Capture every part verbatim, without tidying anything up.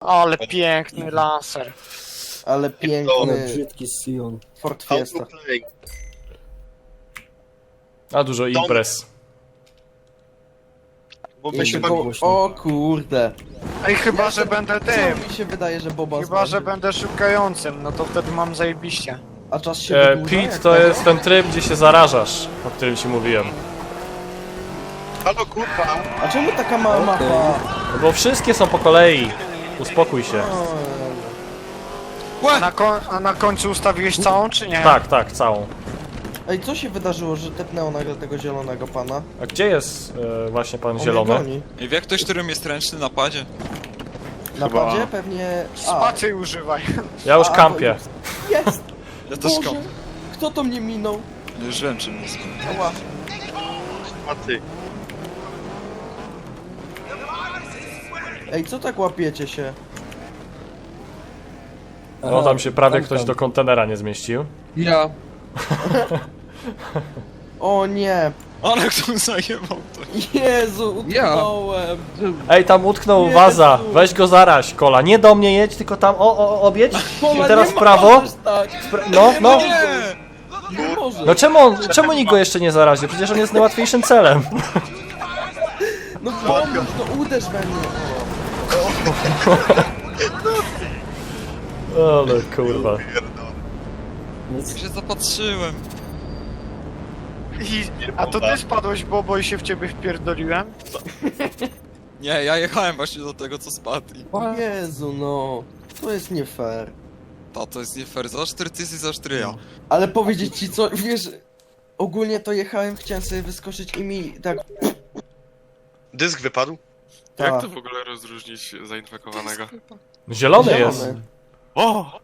Ale piękny laser. Ale piękny Brzydki Sion. Ford Fiesta. A dużo imprez. Bo my Jeszcze się go... bawimy. O kurde. Ej, chyba, że będę tym. Co mi się wydaje, że Boba Chyba, że zbędzie. będę szukającym, no to wtedy mam zajebiście. A czas się E, wydłuża, Pit jak to tego? jest ten tryb, gdzie się zarażasz, o którym ci mówiłem. Halo kurwa! A czemu taka mała mapa? No bo wszystkie są po kolei. Uspokój się. A na, ko a na końcu ustawiłeś całą, czy nie? Tak, tak, całą. Ej, co się wydarzyło, że tepnęło nagle tego zielonego pana? A gdzie jest e, właśnie pan On mnie zielony? goni. I wie ktoś, którym jest ręczny na padzie? Na Chyba- padzie pewnie... A, Spacy używaj. Ja już A, kampię. jest! Ja też Boże, kom. kto to mnie minął? Już wiem czym jest. Ała. A ty. Ej, co tak łapiecie się? No tam się prawie tam, ktoś tam. do kontenera nie zmieścił. Ja. O nie! Ale kto zajebał to? Jezu, Ja. utknąłem! Ej, tam utknął Jezu. waza. Weź go zaraź, Kola. Nie do mnie jedź, tylko tam o, o, obiedź. Pola, I teraz nie w prawo. możesz tak! Spra no, no. Nie! Nie możesz! No czemu, on, czemu nikt go jeszcze nie zaraził? Przecież on jest najłatwiejszym celem. No pomóż, no uderz we mnie! Ale kurwa. Ja się zapatrzyłem. I, a to ty spadłeś, Bobo, i się w ciebie wpierdoliłem? Nie, ja jechałem właśnie do tego, co spadł. I... Jezu, no. To jest nie fair. Ta, to jest nie fair. Za cztery ty jesteś, za cztery ja. Ale powiedzieć ci co, wiesz... Ogólnie to jechałem, chciałem sobie wyskoczyć i mi tak... Dysk wypadł? Tak. Jak to w ogóle rozróżnić zainfekowanego? Zielony jest. Zielony. O!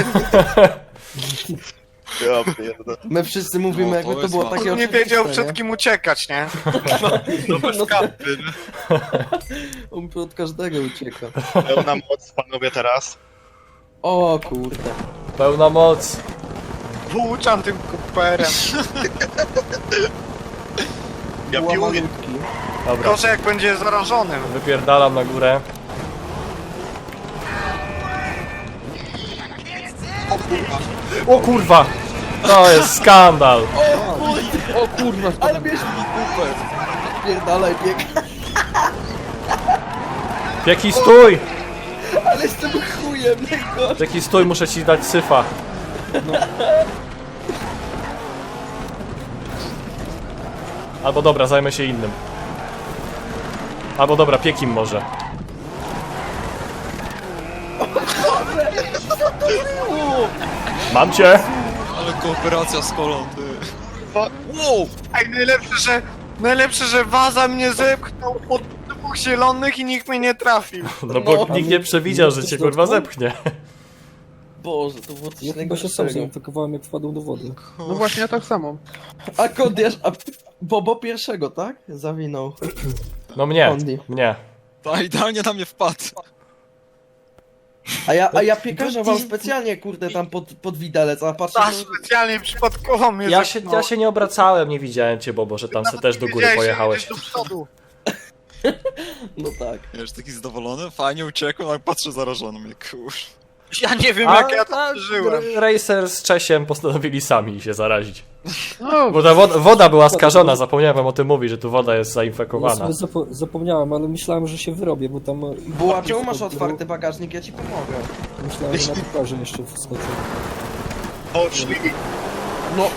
Ja pierdolę. My wszyscy mówimy, No, jakby to to było jest takie On nie oczywiste, wiedział nie? przed kim uciekać, nie? To bez kapy. On od każdego ucieka. Pełna moc, panowie, teraz. O kurde. Pełna moc. Włóczam tym kuperem. Ja Była piłuję. malutki. Dobra, Gorzej jak będzie zarażonym. wypierdalam na górę. O kurwa! To jest skandal! O kurwa, Ale bierz mi kupę. Pierdalaj, bieg. Pieki stój! Ale jestem chujem, niego. Pieki stój, muszę ci dać syfa. Albo dobra, zajmę się innym. Albo dobra, piekim może. Mam cię! Ale kooperacja z kolą, ty. Wow! Ej, najlepsze, że... Najlepsze, że waza mnie zepchnął pod dwóch zielonych i nikt mnie nie trafił. No bo nikt nie przewidział, że cię kurwa zepchnie. Boże, to było coś Ja chyba się sam najgorszego. zainfekowałem, jak wpadłem do wody. no właśnie ja tak samo. A Kodiasz, a Bobo pierwszego, tak? Zawinął. No mnie, Only. mnie. Ta idealnie na mnie wpadł. A ja, a ja piekarza wam specjalnie, kurde, tam pod, pod widelec, a patrzę... Ta że- specjalnie przypadkowo mnie Ja się, zepchnął. ja się nie obracałem, nie widziałem cię, Bobo, że tam se Nawet też nie do góry wiedziałeś, że pojechałeś. jedziesz do przodu. No tak. Wiesz, taki zadowolony, fajnie uciekłem, ale patrzę zarażony mnie, kur... Ja nie wiem A, jak ja to a, przeżyłem. R- Racer z Czesiem postanowili sami się zarazić. No, Bo ta woda, woda była skażona, zapomniałem wam o tym mówić, że tu woda jest Ja zainfekowana. sobie zapo zapomniałem, ale myślałem, że się wyrobię, bo tam... Buła, czemu masz otwarty bagażnik? Ja ci pomogę. Myślałem, że na piłkarze jeszcze wskoczę. Poszli. No.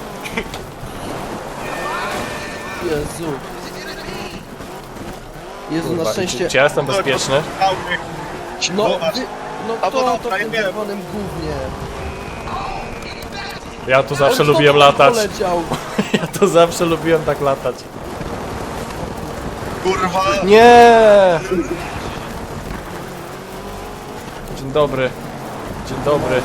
Jezu. Jezu, na Kurwa, szczęście... Czy ja jestem bezpieczny? No, No, wy... no A, kto bo to dobra, w tym ja wiem. czerwonym gównie? Ja tu zawsze On znowu lubiłem tam latać. poleciał. Ja tu zawsze lubiłem tak latać. Kurwa. Nie! Dzień dobry. Dzień dobry.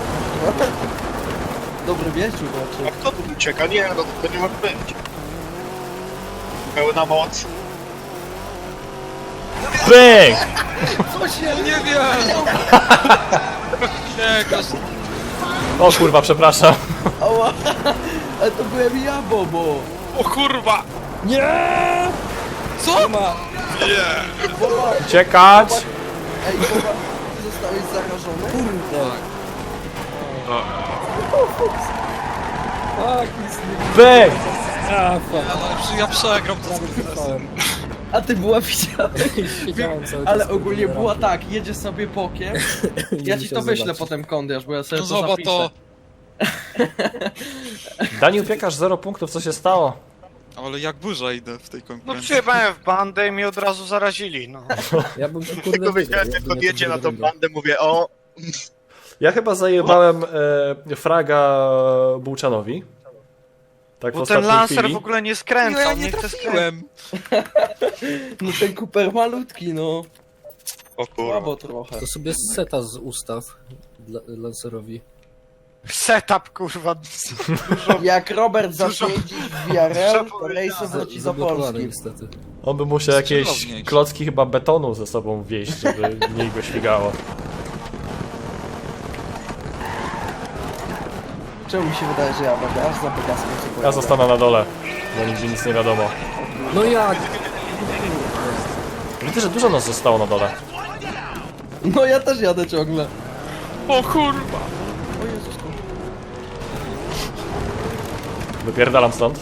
Dobry wieczór, A znaczy. kto tu ucieka? Nie, no to nie może być. Pełna moc. Bęk! Co się... Nie wiem! Nie, każ... O kurwa, przepraszam. Ała. Ale to byłem ja, Bobo. O kurwa! Co? Uciekać! Ej, Boba, ty zostałeś zarażony? Kurde! O, Tak, nic nie Bang! A, fuck. Ja, no, ja przegram to z Prawie Kresem. trwałem. A ty była widziałeś? Siedziałem cały czas. Ale ogólnie była tak, jedzie sobie bokiem. Nie Ja ci musiał to wyślę zobaczyć. potem, Kondiasz, bo ja sobie No to zobacz zapiszę. to. Daniel Piekarz zero punktów, co się stało? Ale jak burza idę w tej No konkurencji. przyjechałem w bandę i mnie od razu zarazili, no. Ja bym to kurde Tylko wygrał, wiedziałem, jak jakby nie podjedzie to na tą drugie. bandę, mówię, o, Ja chyba zajebałem e, fraga Bułczanowi. Tak w Bo ten ostatniej Lancer chwili. w ogóle nie No skręca, ja on nie nie chce skręcać. trafiłem. No ten Cooper malutki, no. o kurwa. Słabo trochę. To sobie seta z ustaw dla, Lancerowi. Setup, kurwa. Jak Robert Dużo- zacznie jeździć w V R L, to dużo Race wróci do Zablokowany Polski. niestety. On by musiał jakieś Skrzydłowniejszy. klocki chyba betonu ze sobą wieść, żeby mniej go śmigało. Czemu mi się wydaje, że ja będę aż za Pegasem co Ja pojadę? zostanę na dole, bo nigdzie nic nie wiadomo. No jak? Widzę, że dużo nas zostało na dole. No ja też jadę ciągle. o kurwa! O Jezus, Wypierdalam stąd.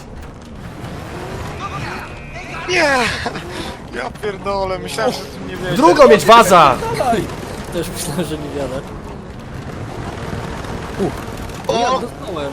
Nie! Ja pierdolę, myślałem, że ty nie wiesz. Drugą mieć waza! Też myślałem, że nie wiadę. Uch. O, ja dostałem.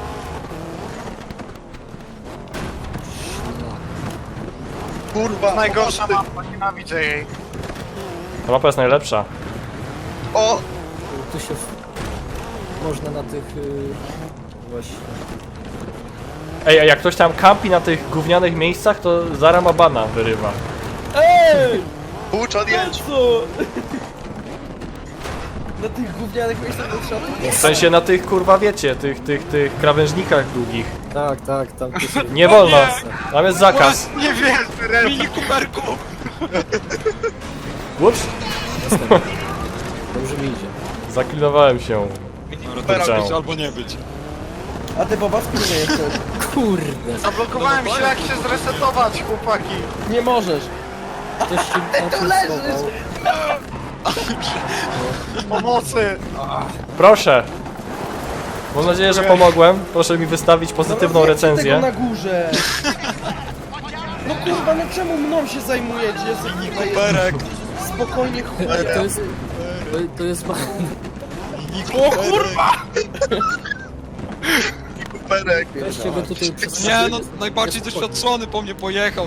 Kurwa, Najgorsza mapa, nienawidzę jej. Ta mapa jest najlepsza. o, Tu się... w- Można na tych... Yy... Właśnie... Ej, a jak ktoś tam kampi na tych gównianych miejscach, to Zara bana wyrywa. Ej! Bułczan jedź. Co? Na tych gównianych miejscach to trzeba tu W sensie na tych, kurwa, wiecie, tych, tych, tych krawężnikach długich. Tak, tak, tam tu się... Nie wolno! Tam jest zakaz. Nie wiesz, Ren. Mini kuperku! Ups, Dobrze mi idzie. zaklinowałem się. Dobra, być albo nie być. A ty Boba, skąd nie jesteś? Kurde. Zablokowałem się, jak się zresetować, chłopaki. Nie możesz. Ktoś się tam tu schował. Pomocy. Proszę. Mam nadzieję, że pomogłem. Proszę mi wystawić pozytywną Dobra, zjedźcie recenzję. tego na górze. No kurwa, no czemu mną się zajmujecie? Jestem Mini tutaj kuperek! spokojnie Ale chuja. to jest... To, to jest... Mini kuperek! Kuperek. Weźcie go tutaj przez... Nie no, najbardziej doświadczony po mnie pojechał.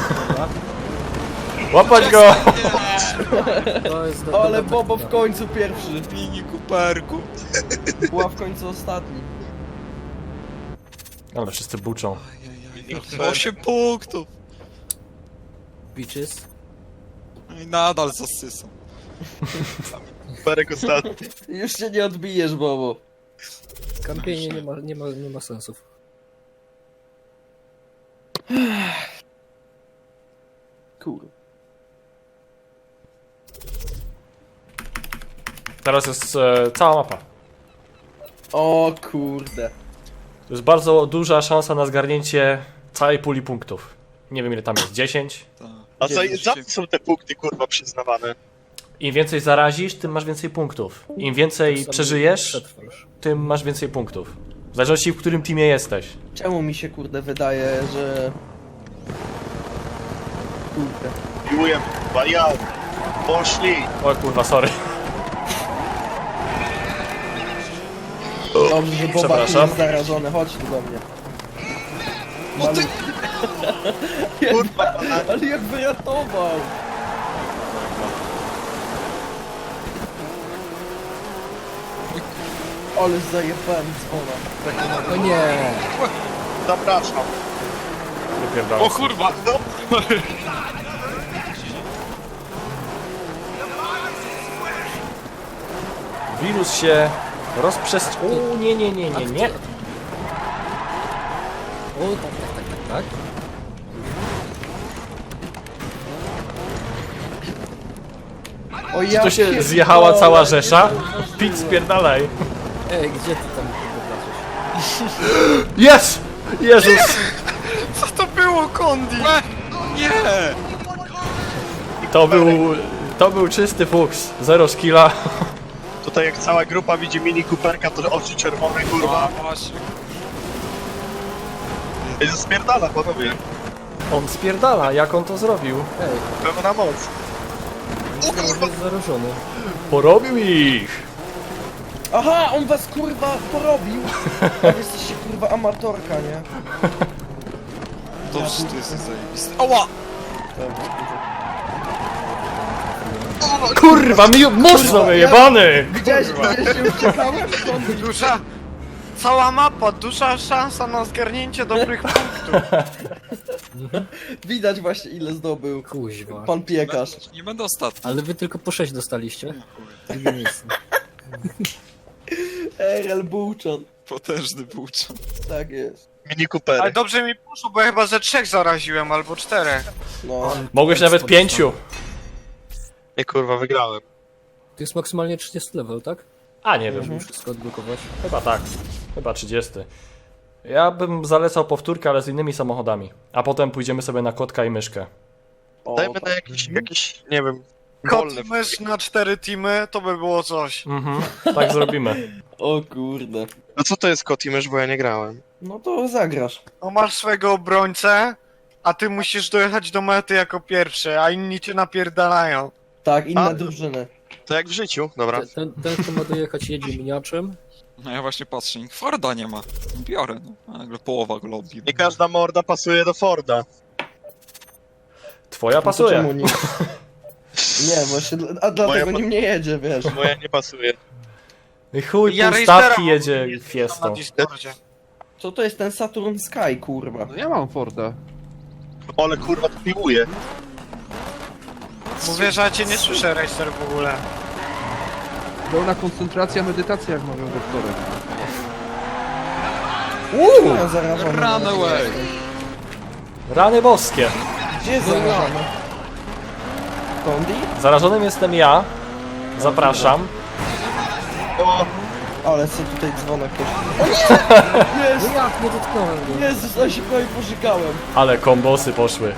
Łapać go! To jest do, Ale dobra Bobo w taktyka. końcu pierwszy. Mini kuperku. Była w końcu ostatni. Ale wszyscy buczą. osiem punktów. Bitches. I nadal zasysam. Kuperek ostatni. Już się nie odbijesz, Bobo. Kampienie nie ma, nie ma, nie ma sensów. Kur. Teraz jest e, cała mapa. O kurde. To jest bardzo duża szansa na zgarnięcie całej puli punktów. Nie wiem ile tam jest, dziesięć? Tak. A za, za co są te punkty, kurwa, przyznawane? Im więcej zarazisz, tym masz więcej punktów. Im więcej Sam przeżyjesz, przetrwasz. tym masz więcej punktów. W zależności w którym teamie jesteś. Czemu mi się kurde wydaje, że... Kurde. Miłuję, kurwa, ja. Poszli. O kurwa, sorry. Dobrze, że Boba tu Przepraszam. jest zarażony. Chodź tu do mnie. No ty... Kurwa, Ale jak wyratował! Ale zajebałem dzwona. No nie! zapraszam. Wypierdalam. O kurwa! Wirus się rozprzestrzenia. O nie, nie, nie, nie, nie. O, tak, tak, tak, tak, tak. O Czy ja to się pierdolę, zjechała cała nie rzesza? zauważyłem. Pit spierdalaj. Ej, gdzie ty tam wyobrażasz? Jest! Jezus! Co to było, Kondi? Nie! To był To był czysty fuks. Zero skilla. Tutaj jak cała grupa widzi Mini Cooperka, to oczy czerwone, A, kurwa. właśnie. I spierdala, panowie. On spierdala, jak on to zrobił? Ej, Pełna moc. myślałem, że jest zarażony. Porobił ich! Aha, on was kurwa porobił! A wy jesteście kurwa amatorka, nie? Dobrze, ty jesteś zajebisty. Ała! Kurwa, mi mocno wyjebany! Widziałeś, widziałeś, że uciekałem? Stąd Duża... Cała mapa, duża szansa na zgarnięcie dobrych punktów. widać właśnie ile zdobył Kuźwa. pan piekarz. Nie będę ostatni. Ale wy tylko po sześć dostaliście? Drugie miejsce. R L Bułczan. Potężny bułczan. Tak jest. Mini Ale Coopery. dobrze mi poszło, bo ja chyba ze trzech zaraziłem, albo czterech. No. Mogłeś nawet pięciu. Nie kurwa, wygrałem. To jest maksymalnie trzydziesty level, tak? A, nie wiem. Żeby wszystko odblokować. Chyba tak. Chyba trzydziesty. Ja bym zalecał powtórkę, ale z innymi samochodami. A potem pójdziemy sobie na kotka i myszkę. O, Dajmy tak. na jakiś, jakiś, nie wiem, Kot wolny. i mysz na cztery teamy, to by było coś. Mhm, tak zrobimy. O kurde. No co to jest kot i mysz, bo ja nie grałem. No to zagrasz. No masz swego obrońcę, a ty musisz dojechać do mety jako pierwszy, a inni cię napierdalają. Tak, inne A? drużyny. To jak w życiu, dobra. Ten, ten, kto ma dojechać, jedzie miniaczem. No ja właśnie patrzę, nikt Forda nie ma. Biorę, no. Nagle połowa go lobby. Nie każda morda pasuje do Forda. Twoja No to pasuje. czemu nie? Nie, właśnie, dla- a dlatego Moja- nim nie jedzie, wiesz. Moja nie pasuje. I chuj, Ja pół Racera stawki mam jedzie na Fiestą. Discordzie. Co to jest ten Saturn Sky, kurwa? No ja mam Forda. Ale kurwa to piłuje. Mówię, że ja cię nie słyszę, Racer, w ogóle. Pełna koncentracja, medytacja, jak mówią doktory. Uuu! Ja zarażony. Run away! Rany boskie. Gdzie jest zarażony? Kondi? Zarażonym jestem ja. Zapraszam. O, Ale co tutaj dzwonek też. No Jest! jak, nie dotknąłem go. Jezus, ja się prawie pożygałem. Ale kombosy poszły.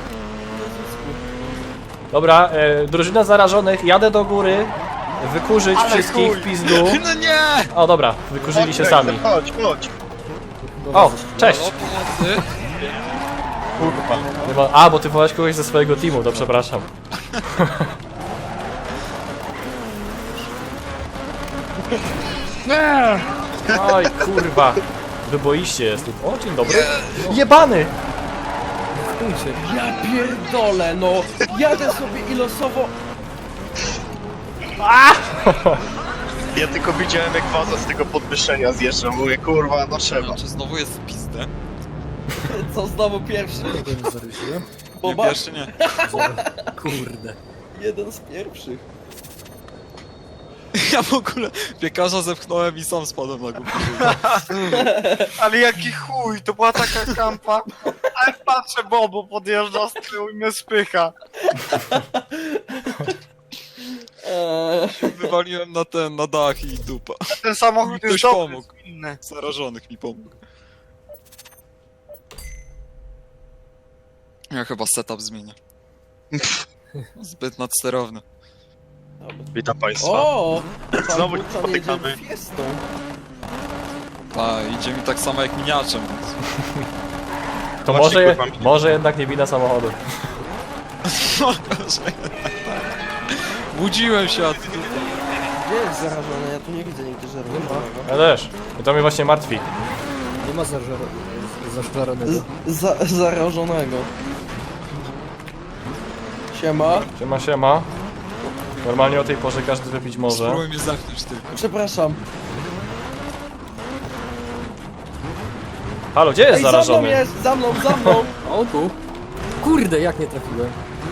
Dobra, e, drużyna zarażonych, jadę do góry. Wykurzyć Ale wszystkich chuj. w pizdu. No nie! O dobra, wykurzyli się sami. Chodź, chodź. O, cześć! O, pomocy! Nie ma- A, bo ty wołałeś kogoś ze swojego teamu, to przepraszam. Nie! Oj, kurwa. Wyboiście jest tu. O, dzień dobry. Jebany! Stójcie. Ja pierdolę, no! Jadę sobie i losowo... Ja tylko widziałem jak waza z tego podwyższenia zjeżdża. Mówię, kurwa, no trzeba. Czy znowu jest w pizdę? Co znowu pierwszy? Kogo nie zarysuję? Nie, Boba? pierwszy nie. Kurde. Jeden z pierwszych. Ja w ogóle piekarza zepchnąłem i sam spadłem na górę. Ale jaki chuj, to była taka kampa. Ale patrzę, Bobo podjeżdża z tyłu i mnie spycha. Eee, Wywaliłem na ten, na dach i dupa. Ten samochód Ktoś jest dobry, pomógł. inny. Zarażonych mi pomógł. Ja chyba setup zmienię. Zbyt nadsterowny. Witam państwa. o! Pan Znowu Bułczan spotykamy. jedzie fiestą. A, idzie mi tak samo jak miniaczem, więc... To Właśnie, może, je, kurwa, mi- może jednak nie wina samochodu. Budziłem się, a ty... Gdzie jest zarażony? Ja tu nie widzę nigdy zarażonego. Ja też. I to mnie właśnie martwi. Nie ma zażar... zażaronego. Z, za, zarażonego. Siema. Siema, siema. Normalnie o tej porze każdy wypić może. Spróbuj mnie zamknąć tylko. Przepraszam. Halo, gdzie jest Ej, za mną zarażony? jest! Za mną, za mną! O tu. Kurde, jak nie trafiłem.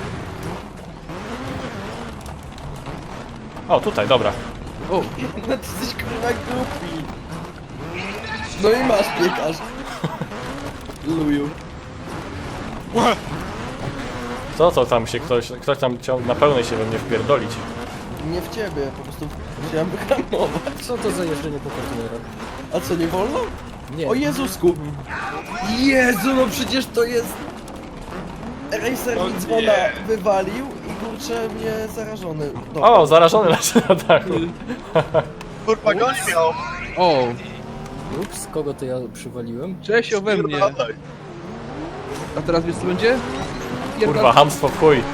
O, tutaj, dobra. O, no ty jesteś kurwa głupi. No i masz piekarz. Luju. Co to tam się ktoś, ktoś tam chciał na pełnej się we mnie wpierdolić. Nie w ciebie, po prostu chciałem wyhamować. Co to za jeżdżenie po kontenerach? A co, nie wolno? Nie. O Jezusku! Jezu, no przecież to jest... Racer mi dzwona wywalił i kurczę kurczę, mnie zarażony. Dobra. O, zarażony leży na dachu. Kurwa, goni miał. O, Ups, kogo to ja przywaliłem? cześć ode mnie. Spierdalaj. A teraz wiesz co będzie? Kurwa, hamstwo w chuj.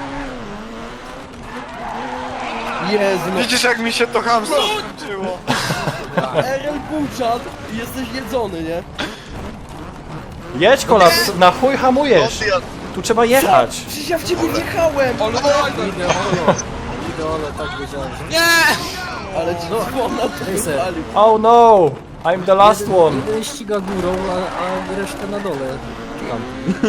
Jezu, no. Widzisz jak mi się to hamstwo skończyło? R L Buczan, jesteś jedzony, nie? Jedź kola, na chuj hamujesz. Odjazd. Tu trzeba jechać. Przecież ja w ciebie wjechałem! Ideolo. Ideolo, tak wiedziałem, że... Ale ci dzwona to Racer. wypalił. Oh no, I'm the last jeden, one. jeden ściga górą, a, a resztę na dole. Tam.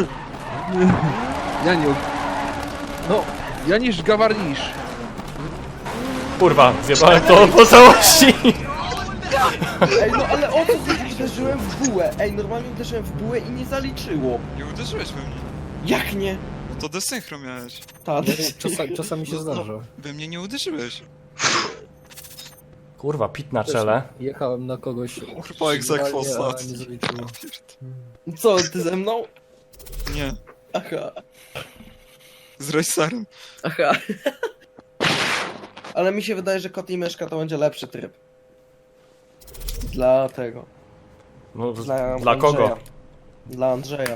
Ja nie... No, ja niż gawarnisz. Kurwa, zjebałem to po całości. Ej, no ale o co ty uderzyłem w bułę? Ej, normalnie uderzyłem w bułę i nie zaliczyło. Nie uderzyłeś we mnie. Jak nie? No to desynchro miałeś. Ta, Czasa, czasami się zdarza. We mnie nie uderzyłeś. Kurwa, pit na czele. Jechałem na kogoś. Kurwa, egzekwo idealnie, a ostatni. nie zaliczyło. co, ty ze mną? Nie, Aha, z racerem. aha. Ale mi się wydaje, że kot i myszka to będzie lepszy tryb. Dla tego. No, Dla, dla kogo? Andrzeja. Dla Andrzeja.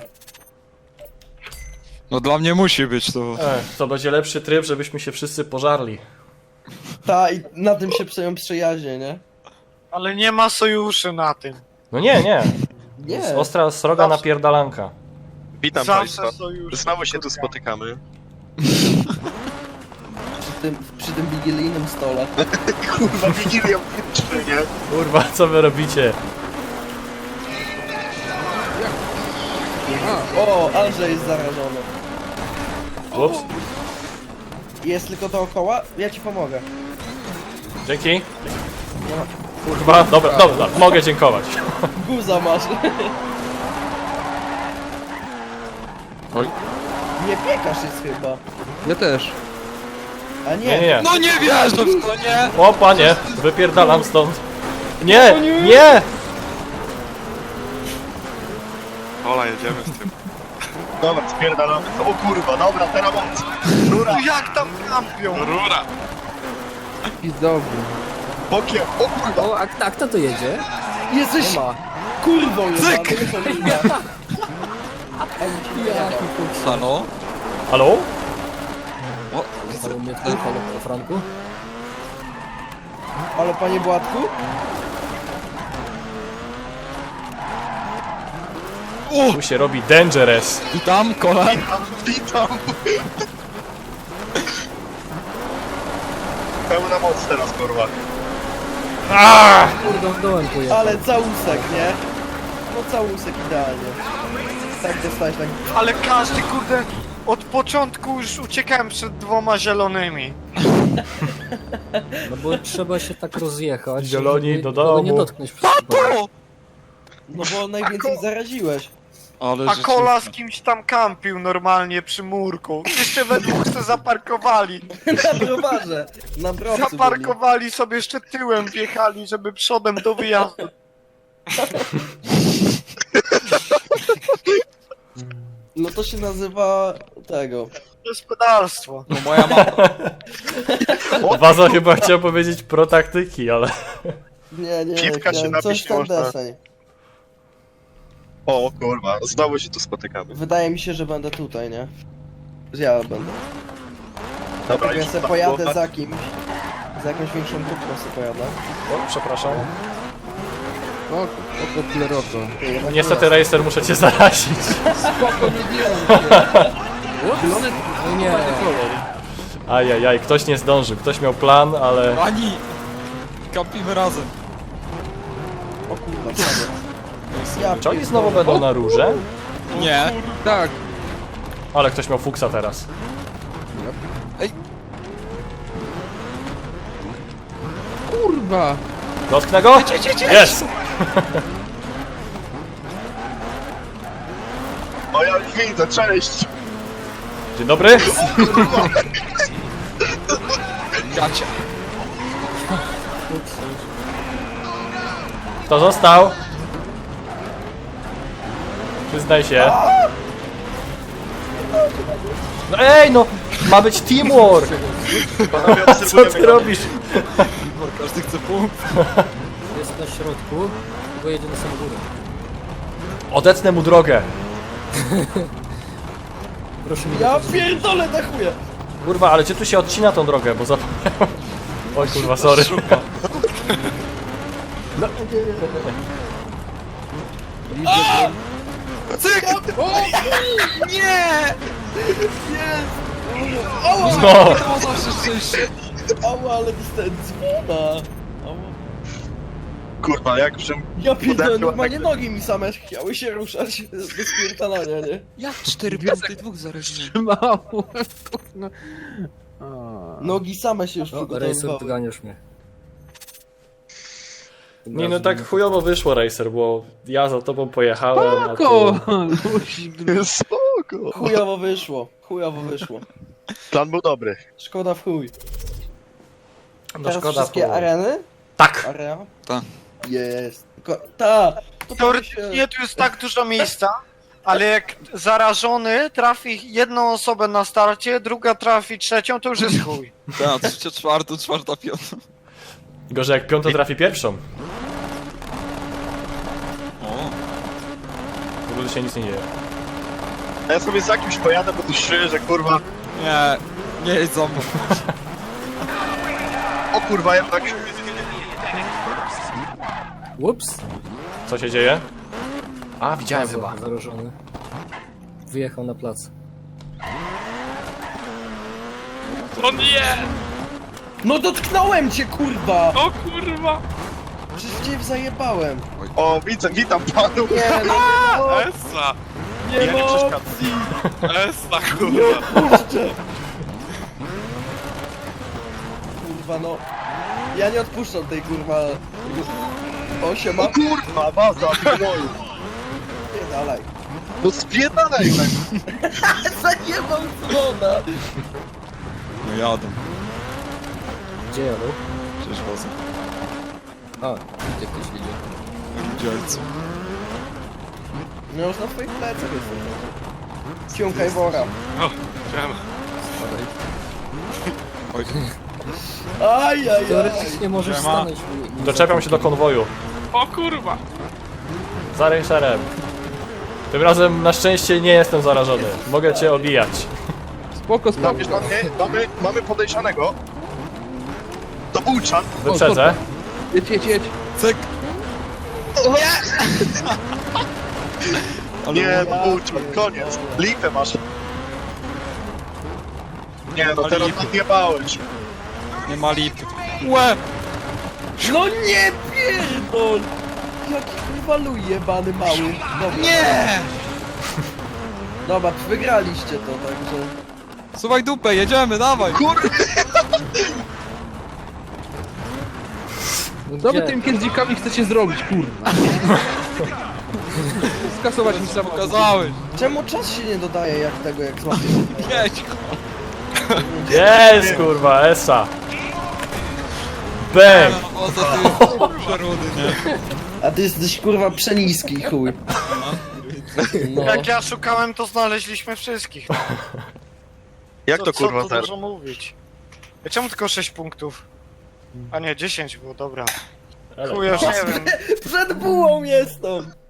No dla mnie musi być to. E, to będzie lepszy tryb, żebyśmy się wszyscy pożarli. Ta, i na tym się przeją przyjaźnie, nie? Ale nie ma sojuszy na tym. No nie, nie. Nie. Jest ostra, sroga napierdalanka. Witam Zawsze państwa. sojusze. Znowu się tu spotykamy. Przy tym, przy tym wigilijnym stole. Kurwa, Wigilią włączmy, nie? Kurwa, co wy robicie? O, Andrzej jest zarażony. Ups, Jest tylko dookoła? Ja ci pomogę. dzięki. Kurwa, dobra, dobra, mogę dziękować. Guza masz. Oj. Nie piekasz jest chyba. Ja też. A nie. Nie, nie, nie. No nie wierzę w to, nie! O panie, wypierdalam stąd. Nie, nie! Ola, jedziemy z tym. Dobra, spierdalamy. O kurwa, dobra, teraz moc. Rura, No jak tam kampią? Rura! I dobry. bokiem, o kurwa. O, a, a kto to jedzie? Jesteś Nie ma. kurwą jest. Cyk! Jaki fuks. Halo? Halo? O, Halo mnie tu, halo po Franku. Ale panie Błatku? Tu się robi dangerous. witam, kola. Witam. Pełna moc teraz, kurwa. Aaaa! Kurde, dołem pojechał. Ale całusek, nie? No całusek idealnie. Tak dostałeś tak. Ale każdy kurde od początku już uciekałem przed dwoma zielonymi. No bo trzeba się tak rozjechać. Zieloni żeby do nikogo nie domu. dotknąć przez przypadek. No bo najwięcej zaraziłeś. Ale A że kola z kimś tam kampił normalnie przy murku. Jeszcze we dwóch se zaparkowali. Na browarze. Na browcu byli. Zaparkowali sobie jeszcze tyłem, wjechali, żeby przodem do wyjazdu. No to się nazywa tego. Gospodarstwo. No moja mama. Waza chyba chciał powiedzieć pro taktyki, ale... Nie, nie, Piwka się chciałem napić coś nie ten można. deseń. O kurwa, znowu się tu spotykamy. Wydaje mi się, że będę tutaj, nie? Że ja będę. Dobra, Tak ja już sobie tak pojadę było. za kimś. Za jakąś większą grupą sobie pojadę. O, przepraszam. O, oko pleroko. Ty, jednak Niestety, Racer, muszę cię zarazić. Spoko, nie wiem. Zielony No nie, kolor. Ajajaj, ktoś nie zdążył. Ktoś miał plan, ale... Ani! Kampimy razem. O kurwa, prawie. Ja Czy oni znowu będą na róże? Nie. Tak. Ale ktoś miał fuksa teraz. Kurwa. Dotknę go? Jest! O ja już widzę, cześć! Dzień dobry. Gacia. Kto został? Przyznaj się. No ej, no! Ma być teamwork! Panowie, Co obserwujemy ty go. robisz? Każdy chce punkt. Jest na środku, bo jedzie na samą górę. Odetnę mu drogę. Proszę mi Ja nie pierdolę na chuja! Kurwa, ale gdzie tu się odcina tą drogę, bo zapomniałem. Oj kurwa, sorry. No, Ała, ale dostałem dzwona! Ała. Kurwa, jak żem... Ja pierdolę, Uderzyła normalnie tak- nogi mi same chciały się ruszać bez pierdolania, nie? Jak cztery punkty, dwóch zarażenia. Mało. No. A. Nogi same się już O, Racer, przygotowywały. doganiasz mnie. nie no tak chujowo wyszło, Racer, bo ja za tobą pojechałem, a Spoko! ty... Luzik. Spoko. Chujowo wyszło, chujowo wyszło. Plan był dobry. Szkoda w chuj. No Teraz szkoda. wszystkie bo- areny? Tak! Area? Ta. Jest. Ko- ta! To Teoretycznie tu jest tak dużo miejsca, ale jak zarażony trafi jedną osobę na starcie, druga trafi trzecią, to już jest chuj. Ta, trzecia, czwarta, czwarta, piąta. Gorzej jak piąta trafi pierwszą. O, W ogóle się nic nie dzieje. A ja sobie za kimś pojadę, bo tu czuję, że kurwa... nie, nie jedź za mną. O kurwa, jednak... Ups! Co się dzieje? A, widziałem Bardzo chyba. Zarażony. Wyjechał na plac. No dotknąłem cię, kurwa! O kurwa! Przecież cię zajebałem. O, widzę, witam panu. Nie, no Essa! nie Ja nie ma przeszkadzam. opcji! Essa kurwa! Puszczę! Kurwa, no. Ja nie odpuszczam tej kurwa... Osiema. O kurwa, baza, gnoju. Nie dalej. No spierdalaj tak. Zajebał dzwona! No jadą, Gdzie jadą? przecież wozem. A, gdzie ktoś idzie? Dzielcy. No już na twoich plecach jestem. Ciąkaj wora. O, siema. Oj, Aj, aj, aj. Teoretycznie możesz Siema. stanąć. i- i- Doczepiam się do konwoju. O kurwa! Za Racerem. Tym razem na szczęście nie jestem zarażony. Mogę cię obijać. Spoko, spoko. Mamy, mamy, mamy, mamy podejrzanego. To Bułczan. Wyprzedzę. Jedź, jedź, jedź. cyk! Ale Nie, ładnie. no Bułczan, koniec. Lipę masz. Nie no, teraz odjebałeś. Nie ma lipy. Łe! No nie pierdol! Jaki kurwa luj jebany mały. Dobra. Nie! Dobra, wygraliście to, także... Suwaj dupę, jedziemy, dawaj! Kurwa, No Co wy gdzie? tym kędzikami chcecie zrobić, kurwa? Skasować mi samochód. Pokazałeś! Czemu czas się nie dodaje jak tego, jak złapiesz? Jedź! Jest kurwa, Esa. Bang! O, to ty przerudy, nie? A ty jesteś kurwa przeniski, chuj. No. Jak ja szukałem, to znaleźliśmy wszystkich. jak Co- to kurwa Co tu zero? dużo mówić? A czemu tylko sześć punktów? A nie, dziesięć było, dobra. Ale- Chuj, już nie wiem. Przed bułą jestem!